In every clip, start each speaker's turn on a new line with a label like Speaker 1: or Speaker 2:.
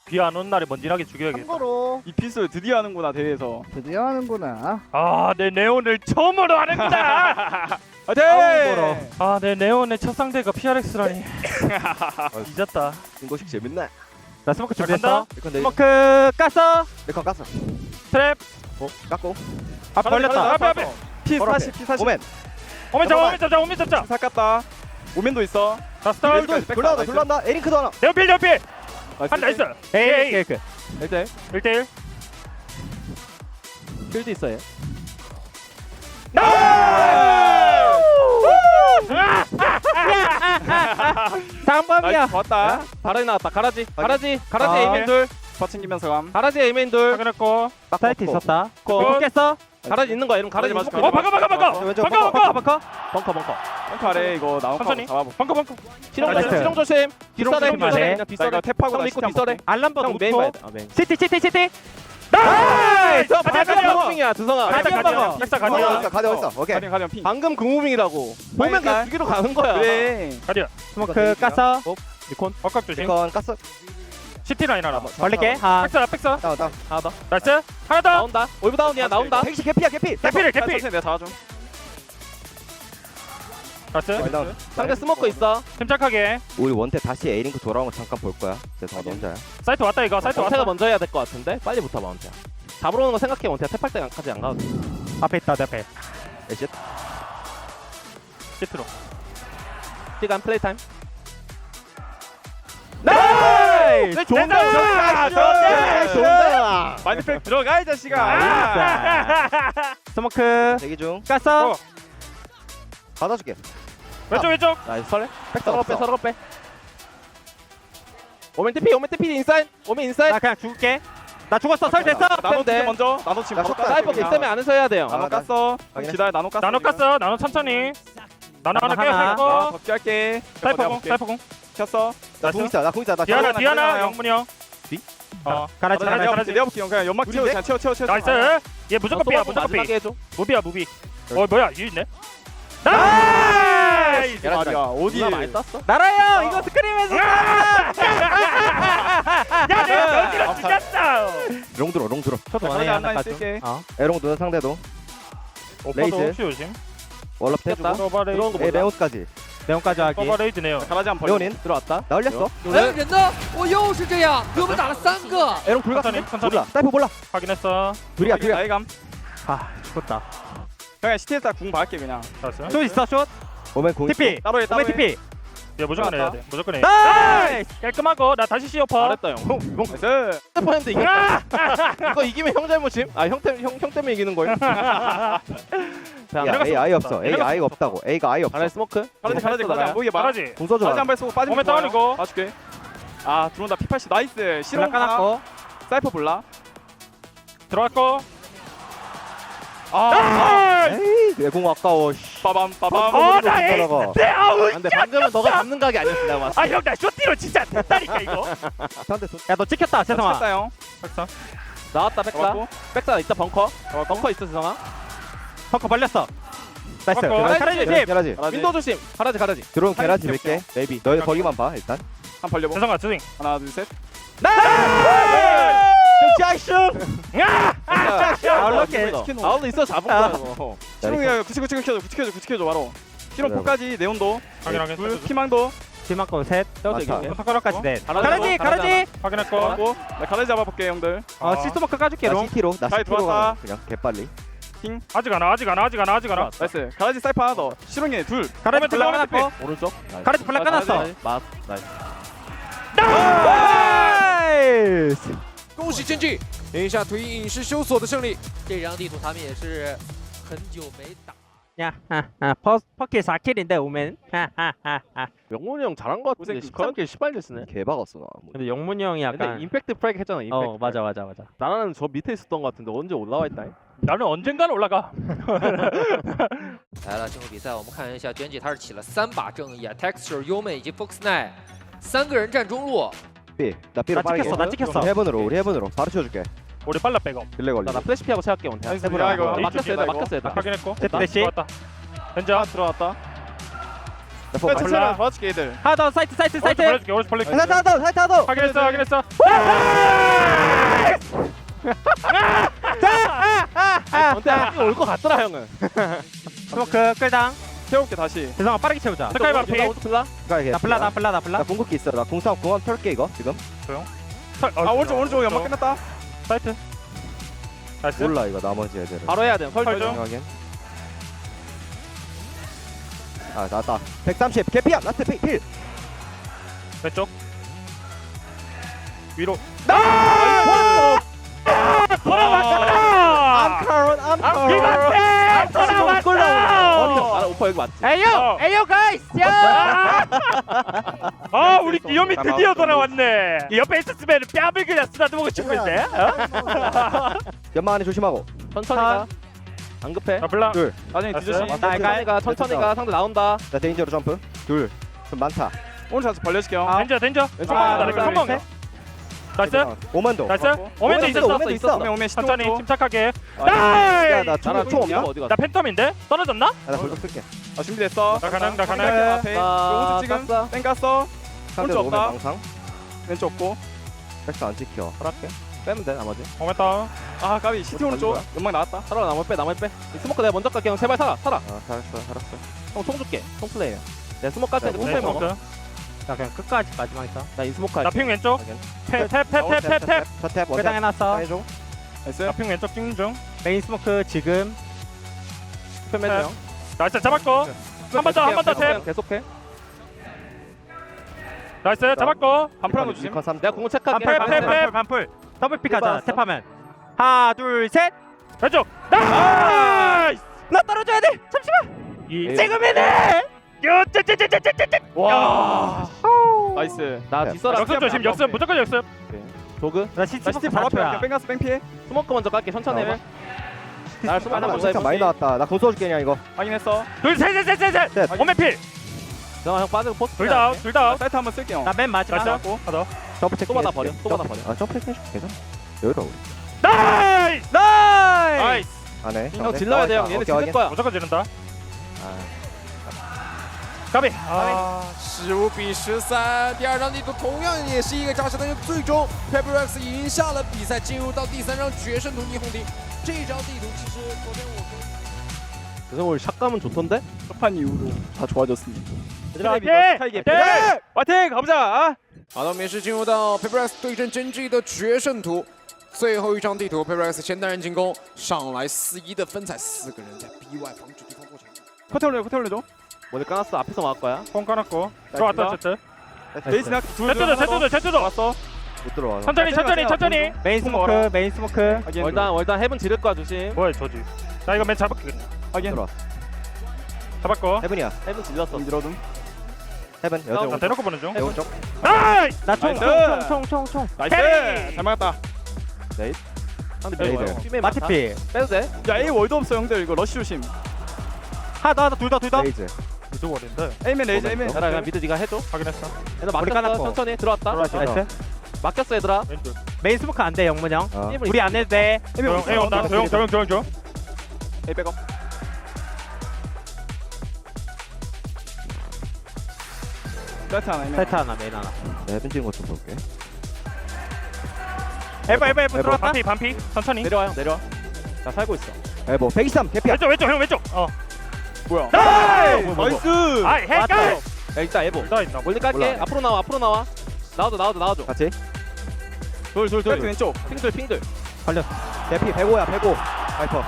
Speaker 1: 비 안 오는 날에 먼지나게 죽여야겠다.
Speaker 2: 참고로
Speaker 3: 이 핏을 드디어 하는구나 대회에서.
Speaker 2: 드디어 하는구나.
Speaker 1: 아, 내 네온을 처음으로 하는구나.
Speaker 3: 화이팅!
Speaker 1: 아, 내 네온의 첫 상대가 PRX라니. 잊었다.
Speaker 4: 중고식 재밌네.
Speaker 2: 나 스모크
Speaker 1: 자,
Speaker 2: 준비했어.
Speaker 1: 간다.
Speaker 4: 내건 내
Speaker 2: 스모크 깠어.
Speaker 4: 내건 깠어.
Speaker 1: 트랩.
Speaker 4: 깎고.
Speaker 2: 아 걸렸다.
Speaker 1: 앞에.
Speaker 3: P40 P40.
Speaker 4: 오멘.
Speaker 1: 오면 잡자, 오면 잡자, 오면 잡자.
Speaker 3: 살 깠다. 오멘도 있어.
Speaker 1: 자, 스타트.
Speaker 4: 돌아온다 돌아온다. 에링크도 하나.
Speaker 1: 내필, 내필. 한 나이스. 에이,
Speaker 2: 케이크.
Speaker 3: 1대
Speaker 1: 1대1.
Speaker 2: 필드 있어요. 상범이야.
Speaker 3: 좋았다.
Speaker 5: 바라지 나왔다. 가라지. 가라지.
Speaker 2: 아.
Speaker 5: 가라지 에이맨 둘.
Speaker 3: 버 챙기면서 감.
Speaker 5: 가라지 에이맨 둘.
Speaker 1: 확인했고.
Speaker 2: 사이트 있었다.
Speaker 5: 고.
Speaker 2: 깼어.
Speaker 5: 가라지 있는 거야. 이러면 가라지
Speaker 3: 가라지
Speaker 5: 있는
Speaker 3: 맞을까?
Speaker 5: 거야.
Speaker 1: 어, 바꿔.
Speaker 4: 왼쪽
Speaker 1: 바꿔.
Speaker 2: 버커.
Speaker 5: 벙커.
Speaker 3: 펑크 아래 이거 나온 거
Speaker 1: 천천히.
Speaker 3: 잡아보.
Speaker 1: 방금.
Speaker 5: 실험
Speaker 2: 나이스.
Speaker 5: 조심. 실험 조심. 뒷설에.
Speaker 2: 조심하네.
Speaker 5: 그냥
Speaker 3: 나
Speaker 5: 뒷설에.
Speaker 3: 이거 탭하고
Speaker 5: 형
Speaker 3: 나
Speaker 5: 믿고
Speaker 3: 시트
Speaker 5: 뒷설에.
Speaker 2: 알람버
Speaker 5: 형 메인 봐야 돼. 아, 메인.
Speaker 2: 시티.
Speaker 5: 나이스.
Speaker 1: 가자, 가자.
Speaker 5: 방금 무빙이야. 두성아.
Speaker 1: 가자,
Speaker 2: 가디언
Speaker 1: 가자.
Speaker 2: 먹어.
Speaker 1: 백사
Speaker 4: 가디언
Speaker 1: 가디언.
Speaker 4: 있어. 가디언 있어. 오케이.
Speaker 3: 가디언 핑.
Speaker 5: 방금 그 무빙이라고. 보면 그냥 죽이러 가는 거야.
Speaker 3: 그래.
Speaker 1: 가디언.
Speaker 2: 스모크 깠어.
Speaker 5: 니콘.
Speaker 1: 억각 조심.
Speaker 4: 이건 깠어.
Speaker 1: 시티 라인 하나.
Speaker 2: 벌릴게. 하.
Speaker 1: 백사.
Speaker 4: 다운 다운.
Speaker 5: 하나 더.
Speaker 1: 나이스. 하나 더.
Speaker 5: 나온다. 올브 다운이야. 나온다.
Speaker 4: 택시 개피야 개피.
Speaker 1: 개필.
Speaker 3: 천천히 내가 잡아줘.
Speaker 1: 나이스.
Speaker 4: 다운.
Speaker 5: 상대 스모커 있어.
Speaker 1: 침착하게.
Speaker 4: 우리 원태 다시 에링크 돌아온 거 잠깐 볼 거야. 내가 너 혼자야.
Speaker 1: 사이트 왔다 이거. 사이트
Speaker 5: 원태가
Speaker 1: 왔다.
Speaker 5: 먼저 해야 될 것 같은데. 빨리 붙어봐 원태야. 잡으러 오는 거 생각해. 원태야. 탭할 때까지 안 가도 돼.
Speaker 2: 앞에 있다. 내 앞에.
Speaker 4: 에셋.
Speaker 1: 시트로.
Speaker 5: 시간 플레이 타임.
Speaker 2: 나이스.
Speaker 1: 좋은데?
Speaker 3: 마니팩 들어가 이 자식아.
Speaker 2: 스모크
Speaker 4: 대기 중.
Speaker 2: 깠어.
Speaker 4: 받아줄게.
Speaker 1: 왼쪽.
Speaker 5: 나이스 설레.
Speaker 4: 백사
Speaker 5: 서로 빼
Speaker 4: 없어.
Speaker 5: 서로 빼. 오멘 TP 인사이드. 오멘 인사이드.
Speaker 2: 나 그냥 죽을게. 나 죽었어. 설 됐어.
Speaker 3: 나노
Speaker 5: 네.
Speaker 3: 팀 먼저. 나노 지금
Speaker 4: 나
Speaker 3: 바로
Speaker 4: 쳤다.
Speaker 3: 깠어.
Speaker 5: 사이버
Speaker 4: 그냥.
Speaker 5: 때문에 안에서 해야 돼요.
Speaker 3: 나노
Speaker 4: 아, 나-
Speaker 3: 깠어.
Speaker 4: 확인했어.
Speaker 3: 기다려. 나노 깠어.
Speaker 1: 나노 깠어. 나노 천천히. 나노 하나
Speaker 3: 아,
Speaker 1: 깨고.
Speaker 3: 덮게 할게.
Speaker 1: 사이퍼공.
Speaker 3: 켰어.
Speaker 4: 나공 있다. 나공 있다. 나
Speaker 1: 디아나,
Speaker 4: 가디언
Speaker 1: 디아나, 영문이 형.
Speaker 4: 뒤?
Speaker 1: 가라지.
Speaker 3: 내려볼게 형. 그냥 연막
Speaker 4: 우리인데?
Speaker 3: 채워. 그냥 채워.
Speaker 1: 나이스. 얘 무조건 삐야, 무조건 삐.
Speaker 5: 마지막에 해줘.
Speaker 1: 무비야, 무비. 뭐야, 유 있네. 나이스.
Speaker 3: 말이야. 어디?
Speaker 5: 누나 많이 땄어?
Speaker 2: 나라요. 이거 스크림에서.
Speaker 1: 야, 내가 너희를 죽였다.
Speaker 4: 롱 들어. 롱 들어.
Speaker 2: 저도
Speaker 3: 가라지
Speaker 2: 원해
Speaker 3: 하나
Speaker 2: 하나
Speaker 3: 있을게.
Speaker 2: 어.
Speaker 4: 에롱 누나 상대도.
Speaker 1: 오빠도
Speaker 4: 레이즈.
Speaker 1: 혹시 조심.
Speaker 4: 월럽
Speaker 5: 됐다.
Speaker 4: 해주고.
Speaker 1: 서버레이드.
Speaker 5: 들어온 거
Speaker 4: 에
Speaker 5: 몰라.
Speaker 4: 레온까지.
Speaker 2: 내용까지 하기.
Speaker 1: 서버레이드네요.
Speaker 3: 가라지 한번 벌려.
Speaker 4: 레온인
Speaker 5: 들어왔다.
Speaker 4: 나 올렸어.
Speaker 6: 哎，人呢？我又是这样，给我们打了3个。
Speaker 4: 에롱 불
Speaker 1: 천천히,
Speaker 4: 같은데?
Speaker 1: 천천히.
Speaker 4: 몰라. 사이퍼 몰라.
Speaker 1: 확인했어.
Speaker 4: 둘이야.
Speaker 3: 나이감.
Speaker 2: 아 죽었다.
Speaker 3: 그냥 시티에서 궁 박을게 그냥.
Speaker 1: 나이스.
Speaker 2: 숏 있어. 숏.
Speaker 4: 오멘 공.
Speaker 2: TP.
Speaker 3: 따로 해.
Speaker 2: 오메 TP.
Speaker 1: 얘 무조건 해야
Speaker 3: 들어왔다.
Speaker 1: 돼. 무조건 해.
Speaker 2: 나이스.
Speaker 1: 깔끔하고 나 다시 시어퍼.
Speaker 5: 잘했다 형.
Speaker 3: 나이스.
Speaker 5: 스포했는데 이겼다. 이거 이기면 형 잘못임? 형 때문에 이기는 거야? 자,
Speaker 4: 야 A 아예 없어. A 아예 없다고. A가 아예 없어.
Speaker 5: 가라지 스모크.
Speaker 3: 가라지 안 보이게 봐.
Speaker 1: 말하지.
Speaker 4: 공 써줘.
Speaker 3: 가라지 한발 쏘고 빠지고.
Speaker 1: 오멘 다운이고.
Speaker 3: 봐줄게. 아 들어온다. P80 나이스. 실험
Speaker 2: 블락 까놨고.
Speaker 3: 사이퍼 몰라.
Speaker 1: 들어갔고.
Speaker 4: 에이 내공 아까워.
Speaker 3: 빠밤.
Speaker 1: 나 에이. 내 아우.
Speaker 5: 근데 방금은 너가 잡는 각이 아니었어 내가 봤을 때.
Speaker 1: 아, 형, 나 쇼티로 진짜 됐다니까 이거.
Speaker 4: 상대 손.
Speaker 2: 야 너 찍혔다. 세성아.
Speaker 3: 쳤다 형.
Speaker 1: 박사.
Speaker 5: 나왔다 백사.
Speaker 3: 잡았고.
Speaker 5: 백사 있다 벙커. 벙커 있어 지성아.
Speaker 2: 벙커 벌렸어. 나이스.
Speaker 1: 벙커.
Speaker 2: 가라지 조심.
Speaker 4: 게라지.
Speaker 5: 윈도우 조심. 가라지.
Speaker 4: 들어온 게라지
Speaker 3: 빨리
Speaker 4: 몇 개.
Speaker 5: 네이비.
Speaker 4: 너희 거기만 봐 일단.
Speaker 3: 한 벌려보.
Speaker 1: 세성아, 스윙.
Speaker 3: 하나 둘 셋.
Speaker 2: 잭슨.
Speaker 1: 야!
Speaker 2: 아울러게.
Speaker 5: 아울러 있어 잡은 거야 이거.
Speaker 3: 신웅이가 99켜줘 바로. 실험
Speaker 4: 그래.
Speaker 3: 4까지 네온도.
Speaker 1: 확인하게.
Speaker 3: 둘 피망도.
Speaker 2: 지막고 셋.
Speaker 5: 세워서
Speaker 4: 맞다.
Speaker 5: 이기게.
Speaker 2: 턱가락까지 넷.
Speaker 5: 가라지,
Speaker 2: 가라지.
Speaker 1: 확인했고.
Speaker 3: 잡았고. 나 가라지 잡아볼게 형들.
Speaker 2: 시스모크 까줄게
Speaker 4: 나
Speaker 2: 롱.
Speaker 4: CT로. 나
Speaker 3: 잘
Speaker 4: CT로
Speaker 3: 들어왔다.
Speaker 4: 가. 그냥 개빨리.
Speaker 1: 아직 안 와.
Speaker 3: 나이스. 가라지 사이퍼 하나 더. 실용이 둘.
Speaker 2: 가라지
Speaker 1: 오멘
Speaker 2: 블락
Speaker 1: TP.
Speaker 2: 까놨고.
Speaker 5: 오른쪽.
Speaker 2: 가라지 블락 까놨어.
Speaker 5: 맞. 나이스.
Speaker 2: 나이스.
Speaker 6: 恭喜剑姬赢下图影影视修所的胜利。这张地图他们也是很久没打。
Speaker 2: 야, 퍼킬 4킬인데 오멘.
Speaker 5: 영문이 형 잘한 거 같은데
Speaker 3: 고생
Speaker 5: 13킬 18킬 쓰네.
Speaker 4: 개박았어 나. 뭐.
Speaker 2: 근데 영문이 형이
Speaker 5: 근데
Speaker 2: 약간
Speaker 5: 임팩트 프랙 했잖아. 임팩트.
Speaker 2: 맞아.
Speaker 5: 나는 저 밑에 있었던 거 같은데 언제 올라와 있다.
Speaker 1: 나는 언젠가는 올라가.
Speaker 6: 来了，这回比赛我们看一下，卷姐他是起了3把正义啊 ，Texture、优美以及 Fox Nine 3个人站中路。
Speaker 4: B. 나 B로
Speaker 2: 나
Speaker 4: 빠르게.
Speaker 2: 찍혔어. 나 찍혔어.
Speaker 4: 우리 해븐으로 바로 치워줄게.
Speaker 1: 우리 빨라 백업.
Speaker 4: 딜레 걸리.
Speaker 5: 나 플래시 피하고 채울게 원태.
Speaker 3: 나이스.
Speaker 4: 해보라.
Speaker 3: 야 이거
Speaker 4: 아,
Speaker 5: 막혔어 얘다.
Speaker 3: 이거.
Speaker 5: 막혔어 얘다.
Speaker 1: 확인했고.
Speaker 2: 됐다.
Speaker 1: 들어왔다. 현자.
Speaker 3: 들어왔다.
Speaker 4: 나폭
Speaker 3: 천천히 도와줄게 얘들.
Speaker 2: 하나 더 사이트
Speaker 1: 오른쪽
Speaker 2: 사이트.
Speaker 1: 벌려줄게 오른쪽 벌려줄게
Speaker 4: 사이트 하나 더 사이트 하나 더
Speaker 1: 확인했어 확인했어
Speaker 5: 전태 올것 같더라 형은.
Speaker 2: 스모크 끌당.
Speaker 3: 태울게 다시.
Speaker 2: 대성아 빠르게 채우자.
Speaker 1: 스카이 반피
Speaker 5: 플라.
Speaker 2: 나 블라 나 블라 나 블라.
Speaker 4: 나 궁극기 있어 나 궁상 궁합 털게 이거 지금
Speaker 3: 아 오른쪽 연막 끝났다.
Speaker 1: 사이트 나이스
Speaker 4: 몰라 이거 나머지 애들은
Speaker 5: 바로 해야 돼.
Speaker 1: 설정.
Speaker 4: 확인 아 나왔다 130 개피야 라스트 필
Speaker 1: 왼쪽 위로
Speaker 2: 암카론 암카론.
Speaker 1: 이만해 돌아왔어
Speaker 5: 아 오빠 여기 맞지?
Speaker 2: 에이요 에이요 가이스. 야.
Speaker 1: 아 우리 기욤이 드디어 돌아왔네 이 옆에 있었으면 뺨을 그냥 쓰다듬고 싶은데
Speaker 4: 연막 안에 조심하고
Speaker 5: 천천히 가. 안 급해.
Speaker 1: 아 블라
Speaker 4: 둘
Speaker 3: 나중에
Speaker 1: 됐어요?
Speaker 3: 뒤조심.
Speaker 5: 천천히 가. 천천히 가. 상대 나온다.
Speaker 4: 나 데인저로 점프 둘 좀 많다
Speaker 3: 오른쪽 가서 벌려줄게요.
Speaker 1: 덴저 덴저
Speaker 3: 왼쪽
Speaker 2: 아,
Speaker 3: 가서
Speaker 2: 둘,
Speaker 1: 한번
Speaker 2: 셋.
Speaker 1: 나이스
Speaker 4: 오만도
Speaker 1: 나이스
Speaker 3: 맞고.
Speaker 1: 오멘도 있었어
Speaker 4: 오멘도 있어
Speaker 3: 오면
Speaker 1: 천천히
Speaker 3: 10초.
Speaker 1: 침착하게
Speaker 4: 야나
Speaker 3: 나라
Speaker 4: 총 없냐?
Speaker 3: 어디
Speaker 1: 나
Speaker 3: 갔어?
Speaker 1: 팬텀인데? 떨어졌나?
Speaker 4: 나 불독 쓸게
Speaker 3: 아 준비됐어.
Speaker 1: 나 가능 나 가능
Speaker 3: 앞에.
Speaker 5: 아,
Speaker 3: 오른쪽 지금
Speaker 5: 땄어.
Speaker 3: 땡 깠어.
Speaker 4: 상대도
Speaker 3: 오른쪽
Speaker 4: 오면
Speaker 3: 없다.
Speaker 4: 망상
Speaker 3: 왼쪽 없고.
Speaker 4: 백스 안 찍혀
Speaker 5: 허락해. 빼면 돼 나머지.
Speaker 1: 오멘다
Speaker 3: 아 까비 시티 오른쪽.
Speaker 4: 거야?
Speaker 3: 연막 나왔다.
Speaker 5: 살아 나머지 빼. 이 스모크 내가 먼저 갈게. 형 제발 살아.
Speaker 4: 아 살았어
Speaker 5: 형 총 줄게. 총 플레이야. 내가 스모크 갈
Speaker 4: 자,
Speaker 5: 테니까
Speaker 4: 네,
Speaker 5: 천천히 먹어.
Speaker 2: 나 그냥 끝까지 마지막 있어.
Speaker 5: 나 인스모크 할게.
Speaker 1: 나핑 왼쪽
Speaker 4: 확인.
Speaker 1: 탭탭탭탭탭
Speaker 4: 첫탭
Speaker 2: 끌당
Speaker 4: 원탭
Speaker 2: 해놨어.
Speaker 4: 해줘
Speaker 3: 나이스.
Speaker 1: 나핑 왼쪽 찍는 중
Speaker 2: 메인 스모크 지금.
Speaker 5: 팬맨 형.
Speaker 1: 나이스 잡았고 한 번 더 한 번 더 탭
Speaker 5: 계속해.
Speaker 1: 나이스 잡았고
Speaker 3: 반프라노 주심.
Speaker 4: 리컨 3
Speaker 5: 내가 공을 체크할게.
Speaker 1: 아,
Speaker 2: 반풀 반풀 반풀. 더블 픽하자. 스텝하면. 하나 둘 셋.
Speaker 1: 왼쪽 나이스
Speaker 2: 나 떨어져야 돼. 잠시만.
Speaker 1: 이
Speaker 2: 지금이네.
Speaker 3: 와. 나이스.
Speaker 5: 나
Speaker 4: 네.
Speaker 5: 뒷서라.
Speaker 1: 역습 조심 역습 무조건 역습
Speaker 5: 도그.
Speaker 2: 나
Speaker 3: 나
Speaker 2: 시티
Speaker 3: 시티
Speaker 2: 스모크
Speaker 3: 바로 앞에
Speaker 2: 반초야.
Speaker 3: 뺑 깠어 뺑 피해.
Speaker 5: 스모크 먼저 갈게. 천천히 해. 날 스모크 하나 먼저
Speaker 4: 진짜 많이
Speaker 5: 해보지.
Speaker 4: 나왔다 나 공 쏘줄게 그냥 이거
Speaker 3: 확인했어.
Speaker 1: 둘셋셋셋셋
Speaker 4: 셋.
Speaker 1: 오멘필
Speaker 5: 형 빠지고 포스.
Speaker 1: 둘다
Speaker 3: 사이트 한번 쓸게요.
Speaker 2: 나 맨 마지막.
Speaker 1: 나이스 하나 더
Speaker 4: 점프 체크
Speaker 5: 또 받아 버려. 또 받아 버려.
Speaker 4: 아 점프 체크 해줄게 괜찮아 여유로워 우리
Speaker 1: 나이스
Speaker 2: 나이스.
Speaker 1: 나이스
Speaker 4: 안해
Speaker 5: 형 질러야 돼 형. 얘네 지를 거야.
Speaker 1: 무조건 지른다
Speaker 4: 아
Speaker 1: 까비
Speaker 7: 15比13，第二场地图同样也是一个扎实，但是最终 Pepperx 赢下了比赛，进入到第三场决胜图霓虹顶。这一张地图其实昨天我跟
Speaker 5: 그래서 오늘 샷감은 좋던데?
Speaker 3: 첫판 이후로 다 좋아졌습니다.
Speaker 1: 화이팅!
Speaker 3: 화이팅! 화이팅! 가보자.
Speaker 7: 好的，我们也是进入到 Pepperx 对阵真 G 的决胜图。最后一张地图 ，Pepperx 先单人进攻，上来4-1的分彩，4个人在 B 外防止对方过场。
Speaker 3: 커트 올려줘.
Speaker 5: 모델 까놨어. 앞에서 막을 거야.
Speaker 1: 폰 까놨고 들어왔다 제트
Speaker 3: 레이스 나
Speaker 1: 제트도
Speaker 3: 왔어.
Speaker 4: 못 들어와
Speaker 1: 천천히
Speaker 2: 메인 스모크 메인 스모크.
Speaker 3: 확인.
Speaker 5: 월단 헤븐 지를 거야 조심.
Speaker 1: 뭐야 저지 나 이거 맨 잡을게 그냥
Speaker 3: 확인.
Speaker 4: 들어와
Speaker 1: 잡았고
Speaker 4: 헤븐이야
Speaker 5: 헤븐 질렀어.
Speaker 3: 밀어둠.
Speaker 4: 헤븐 여자
Speaker 1: 나 대놓고 보는 중
Speaker 4: 오른쪽
Speaker 1: 나이스
Speaker 2: 나총총총총
Speaker 3: 나이스. 잘 막았다.
Speaker 5: 상대
Speaker 4: 레이더.
Speaker 5: 밀어. 팀에 많다.
Speaker 2: 마티피.
Speaker 5: 빼도 돼?
Speaker 3: 야 A 월드 없어 형들 이거 러쉬 조심.
Speaker 2: 하나 둘 더.
Speaker 4: 레이즈
Speaker 1: 이쪽 어딘데
Speaker 3: A맨 레이즈 A맨.
Speaker 5: 얘들아 그냥 미드 네가 해줘.
Speaker 1: 확인했어
Speaker 5: 얘들
Speaker 2: 머리
Speaker 5: 맡겼어.
Speaker 2: 까놨고.
Speaker 5: 천천히 들어왔다.
Speaker 2: 나이스.
Speaker 5: 맡겼어 얘들아.
Speaker 1: 왼쪽
Speaker 2: 메인 스모크 안 돼 영문 형.
Speaker 4: 아
Speaker 2: 우리 안 해도 돼.
Speaker 1: 조용 A 온다 조용
Speaker 3: A 백업. 사이트 하나 A맨.
Speaker 2: 사이트 하나 메인 하나.
Speaker 4: 헤븐 찍은 거좀 볼게
Speaker 2: 에버 들어왔다.
Speaker 1: 반피 천천히
Speaker 5: 내려와 형 내려와. 나 살고 있어.
Speaker 4: 에버 123 개피야
Speaker 1: 왼쪽 형 왼쪽
Speaker 3: 뭐야?
Speaker 1: 나이스 아이 헷갈려
Speaker 5: 야 일단 에보.
Speaker 1: 나 있나
Speaker 5: 멀리 깔게.
Speaker 4: 올라가네.
Speaker 5: 앞으로 나와. 나와줘.
Speaker 4: 같이
Speaker 3: 사이트 왼쪽.
Speaker 5: 핑들.
Speaker 4: 개피 105야 105 파이퍼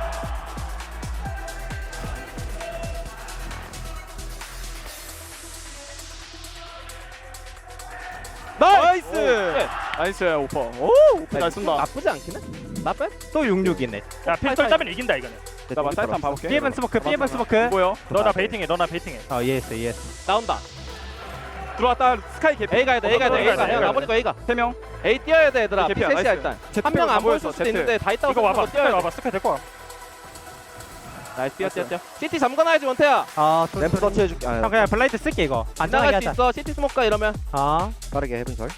Speaker 3: 나이스. 나이스 오퍼. 오 오퍼 잘 쏜다.
Speaker 5: 나쁘지 않긴 해. 나빼?
Speaker 2: 또 66이네.
Speaker 1: 야 필돌 따면 이긴다 이거는
Speaker 3: 나 사이트 한번 봐볼게.
Speaker 2: B번 스모크
Speaker 3: 뭐요?
Speaker 1: 너나 베이팅해
Speaker 2: 어 예스.
Speaker 5: 나온다.
Speaker 3: 들어왔다. 스카이 개피.
Speaker 5: A 가야 돼. 형 나보니까 A가.
Speaker 3: 3명.
Speaker 5: A 뛰어야 돼 얘들아.
Speaker 3: 개피야,
Speaker 5: P3이야
Speaker 3: 나이스.
Speaker 5: 일단.
Speaker 3: Z
Speaker 5: 한 명 안 보였을
Speaker 3: 보였어,
Speaker 5: 수도
Speaker 3: Z.
Speaker 5: 있는데 다 있다고
Speaker 1: 이거 와봐
Speaker 5: 생각하고 뛰어야 돼.
Speaker 1: 와봐 스카이 데리고 와
Speaker 5: 나이스 뛰어. CT 잠궈놔야지 원태야.
Speaker 4: 램프 서치 해줄게
Speaker 2: 형
Speaker 4: 아
Speaker 2: 그냥 블라이트 쓸게 이거.
Speaker 5: 안
Speaker 2: 안전하게
Speaker 5: 나갈 수
Speaker 2: 하자.
Speaker 5: 있어. CT 스모크가 이러면.
Speaker 4: 빠르게 헤븐 설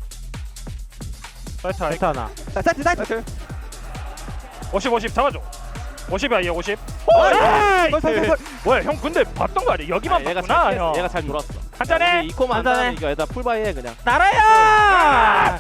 Speaker 1: 사이트 아이
Speaker 2: 사이트 하나.
Speaker 4: 사이트
Speaker 3: 사이트.
Speaker 1: 50 잡아줘 50이야 얘 50 뭐야 형 근데 봤던 거 아니야? 여기만
Speaker 5: 얘가
Speaker 1: 봤구나 형.
Speaker 5: 얘가 잘 돌았어.
Speaker 1: 한잔해.
Speaker 5: 이코만
Speaker 2: 한잔해.
Speaker 5: 한잔해. 이거 얘들아 풀바이 해 그냥.
Speaker 2: 나라야!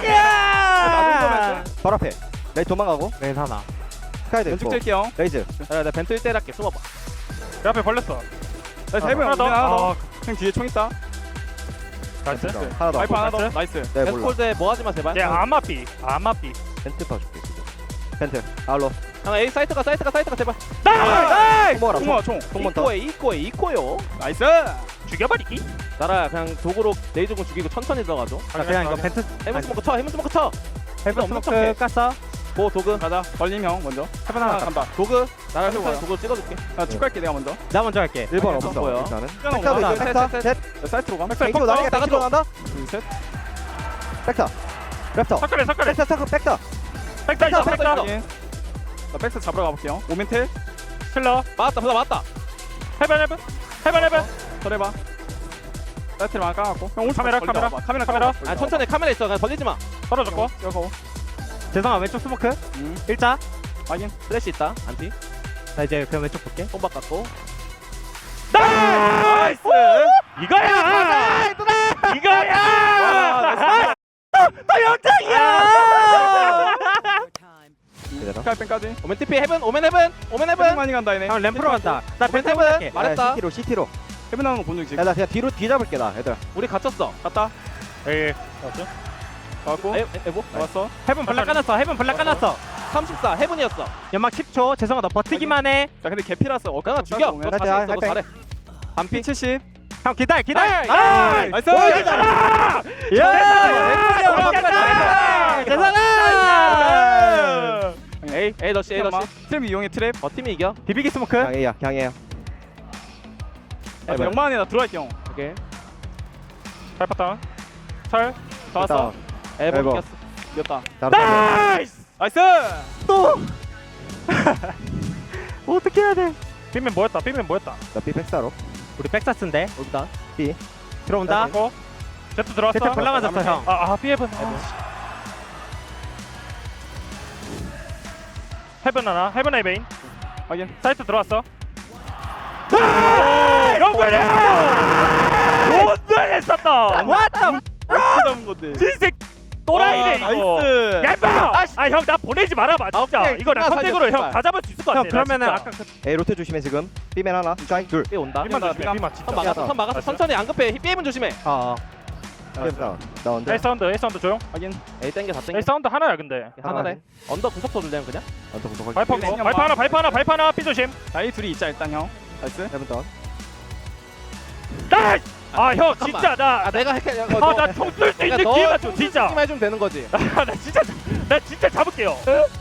Speaker 2: 가자!
Speaker 4: 바로 앞에. 레이 도망가고.
Speaker 2: 네 하나.
Speaker 4: 스카이도
Speaker 3: 왼쪽
Speaker 4: 있고.
Speaker 3: 뛸게요.
Speaker 4: 레이즈.
Speaker 5: 야, 나 벤트 1대1 할게. 숨어봐.
Speaker 1: 내 앞에 벌렸어.
Speaker 3: 나 세븐
Speaker 1: 하나 더.
Speaker 3: 하나 더.
Speaker 1: 아,
Speaker 3: 형 뒤에 총 있다.
Speaker 1: 나이스.
Speaker 4: 하나 더.
Speaker 3: 와이프 하나 더.
Speaker 1: 나이스.
Speaker 3: 나이스.
Speaker 4: 네 몰라.
Speaker 5: 벤트콜드에 뭐 하지 마 제발.
Speaker 1: 얘 아마비. 아마비.
Speaker 4: 펜트 봐줄게 지금. 펜트. 아울러.
Speaker 5: 형 A 사이트가 제발.
Speaker 1: 나이스.
Speaker 4: 통모라.
Speaker 3: 총모아 총.
Speaker 4: 통몬 더.
Speaker 5: 이코요.
Speaker 3: 나이스.
Speaker 1: 죽여버리기.
Speaker 5: 나라 그냥 도구로 레이저공 죽이고 천천히 들어가줘.
Speaker 2: 그냥 이거 벤트
Speaker 5: 헤븐 스모크 쳐. 헤븐 스모크 쳐.
Speaker 2: 헬프
Speaker 5: 없는
Speaker 2: 스모크
Speaker 5: 척해.
Speaker 2: 깠어.
Speaker 5: 고 도구.
Speaker 3: 가자. 걸림 형 먼저.
Speaker 2: 해븐 하나.
Speaker 3: 간다.
Speaker 5: 도구. 나라
Speaker 3: 해보고요.
Speaker 5: 형 도구 찍어줄게.
Speaker 3: 나 축할게 내가 먼저.
Speaker 2: 나 먼저 할게.
Speaker 4: 1번
Speaker 5: 없어
Speaker 4: 없어.
Speaker 5: 보여.
Speaker 4: 일단은.
Speaker 3: 숫자는
Speaker 4: 백타도
Speaker 3: 없나?
Speaker 4: 있어. 백타.
Speaker 5: 셋,
Speaker 4: 셋.
Speaker 3: 나 사이트로 가.
Speaker 4: 뱅키로 나가. 뱅키로 간다.
Speaker 3: 둘 셋.
Speaker 4: 백타. 랩터.
Speaker 1: 석가래 석가래.
Speaker 4: 백타. 백타. 백타.
Speaker 1: 백다 있어 백다.
Speaker 3: 확인. 나 백스 잡으러 가볼게요. 오멘텔.
Speaker 1: 킬러.
Speaker 5: 맞다. 보다 맞다.
Speaker 1: 해변.
Speaker 3: 설해봐. 사이트를 하나 까갖고. 형 오른쪽
Speaker 1: 카메라,
Speaker 3: 걸리다
Speaker 1: 카메라.
Speaker 3: 와봐. 카메라
Speaker 1: 카메라.
Speaker 3: 까봐.
Speaker 5: 아 천천히 카메라 있어. 그냥 벌리지 마.
Speaker 1: 떨어졌고.
Speaker 3: 여거.
Speaker 2: 죄송아 왼쪽 스모크. 일자.
Speaker 3: 확인.
Speaker 5: 플래시 있다. 안티.
Speaker 2: 나 이제 그냥 왼쪽 볼게.
Speaker 5: 손바닥 갖고.
Speaker 1: 나이스. 이거야. 이거야. 너 영장이야.
Speaker 3: 스카이pen까지.
Speaker 5: 오멘 TP 헤븐. 오멘 헤븐.
Speaker 3: 헤븐 많이 간다 얘네.
Speaker 2: 형 램프로 간다. 나 벤트
Speaker 5: 벤트
Speaker 2: 해볼게.
Speaker 5: 말했다.
Speaker 4: CT로 CT로.
Speaker 3: 헤븐 나오는 거 본 적 있지?
Speaker 4: 야 나 그냥 뒤로 뒤 잡을게 나 얘들아.
Speaker 5: 우리 갇혔어.
Speaker 3: 갔다.
Speaker 1: 에이.
Speaker 3: 가갖고.
Speaker 5: 에보.
Speaker 3: 나왔어.
Speaker 2: 해븐 블락 까놨어. 해븐 블락 까놨어.
Speaker 5: 34 헤븐이었어.
Speaker 2: 연막 10초. 죄송아 너 버티기만 해.
Speaker 3: 자 근데 개피라서
Speaker 5: 그냥 죽여. 너
Speaker 4: 할 때,
Speaker 5: 자신 있어.
Speaker 4: 할
Speaker 5: 너
Speaker 4: 때.
Speaker 5: 잘해.
Speaker 3: 반피 70.
Speaker 2: 형 기다려.
Speaker 3: 나이스.
Speaker 5: 에이 러시 에이 러시.
Speaker 3: 트랩 이용해 트랩.
Speaker 5: 버팀이 이겨.
Speaker 2: 비비기 스모크.
Speaker 4: 강해야 강해요.
Speaker 3: 아, 영만 안에 나 들어갈게 형.
Speaker 5: 오케이.
Speaker 1: 밟았다. 설.
Speaker 3: 다 왔어.
Speaker 5: 에버
Speaker 4: 에버.
Speaker 5: 이겼어.
Speaker 3: 이겼다.
Speaker 1: 나이스.
Speaker 3: 나이스.
Speaker 2: 어떻게 해야 돼?
Speaker 1: 삐면 뭐였다.
Speaker 4: 나비 백사로.
Speaker 2: 우리 백사스인데.
Speaker 5: 온다.
Speaker 2: 들어온다.
Speaker 1: 고. 제트 들어왔어.
Speaker 2: 제트 블락 맞았어 형.
Speaker 1: 삐해븐. 헤븐 하나. 헤븐 에이베인.
Speaker 3: 확인.
Speaker 1: 사이트 들어왔어. 영근이! 존나 했었다.
Speaker 2: What the?
Speaker 3: 잡은 건데.
Speaker 1: 진짜 또라이네 이거.
Speaker 3: 나이스.
Speaker 1: 얇아. 형 나 보내지 말아봐 진짜.
Speaker 5: 오케이.
Speaker 1: 이거 나
Speaker 5: 끝나,
Speaker 1: 선택으로
Speaker 5: 살려,
Speaker 1: 형 다 잡을 수 있을 것 같아.
Speaker 2: 형 그러면은
Speaker 1: 나
Speaker 2: 아까
Speaker 1: 진짜.
Speaker 2: 그
Speaker 4: 에이 로테 조심해 지금. B맨 하나. 짱 둘.
Speaker 5: 삐 온다.
Speaker 1: 삐만 조심해. 삐만
Speaker 5: 선
Speaker 1: 진짜.
Speaker 5: 막았어. 선 막았어.
Speaker 1: 알았어.
Speaker 5: 천천히 안 급해. 삐에면 조심해.
Speaker 2: 어.
Speaker 4: 백사. 나 언제?
Speaker 1: A 사운드 조용.
Speaker 3: 확인.
Speaker 5: 에이 땡겨 다 땡겨.
Speaker 1: A 사운드 하나야 근데.
Speaker 5: 하나래. 언더 구석 쳐줄래 그냥?
Speaker 4: 언더 구독.
Speaker 1: 발판 발판 하나 삐 조심.
Speaker 3: 나이 둘이 있자 일단 형. 나이스.
Speaker 4: 해븐 다운.
Speaker 1: 나이스. 형
Speaker 5: 잠깐만.
Speaker 1: 진짜
Speaker 5: 아 내가 할게.
Speaker 1: 나총 쏠 수 있는 기회만 줘 진짜.
Speaker 5: 해주면 되는 거지.
Speaker 1: 나 진짜 잡을게요.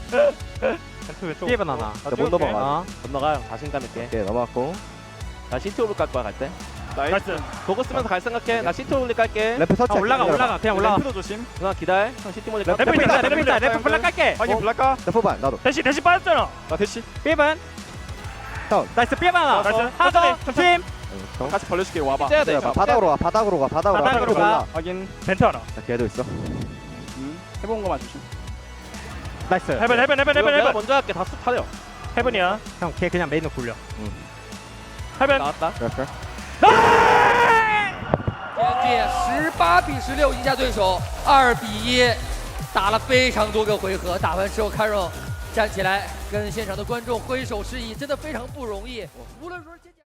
Speaker 2: 삐에번 하나.
Speaker 4: 못 넘어가.
Speaker 2: 어.
Speaker 5: 건너가 형 자신감 있게.
Speaker 4: 오케이 넘어갔고.
Speaker 5: 나 시티 오블 깔 거야 갈 때.
Speaker 1: 나이스.
Speaker 5: 도구 쓰면서 갈 생각해. 나 시티 오블 깔게.
Speaker 4: 램프 설치.
Speaker 2: 올라가 그냥 올라가.
Speaker 3: 램프도 조심.
Speaker 5: 누나 기다려. 형 시티 몰리 깔게.
Speaker 1: 램프 있다, 램프 있다.
Speaker 2: 램프 블락 깔게.
Speaker 3: 확인 블락가.
Speaker 4: 램프 반 나도.
Speaker 1: 대시 빠졌잖아.
Speaker 3: 나 대시.
Speaker 2: 삐에번.
Speaker 4: 다운.
Speaker 2: 나이스 삐에번 하나.
Speaker 1: 나이스.
Speaker 2: 하나 더.
Speaker 1: 천천히.
Speaker 2: 팀.
Speaker 3: 같이 벌려줄게 와봐.
Speaker 5: 째야 돼.
Speaker 4: 바닥으로 와. 바닥으로 가. 바닥으로 와.
Speaker 2: 바닥으로 가.
Speaker 3: 확인.
Speaker 1: 벤트 하나.
Speaker 4: 나 걔도 있어.
Speaker 3: 해본 거만 조심.
Speaker 2: 나이스.
Speaker 1: 헤븐.
Speaker 5: 내가 먼저 할게. 다 쑥 타려.
Speaker 1: 헤븐이야.
Speaker 2: 형 걔 그냥 메인으로 굴려.
Speaker 1: 헤븐.
Speaker 5: 나왔다.
Speaker 4: 그럴까?
Speaker 6: 18比16赢下对手，2比1，打了非常多个回合，打完之后，Carol站起来跟现场的观众挥手示意，真的非常不容易。无论说是。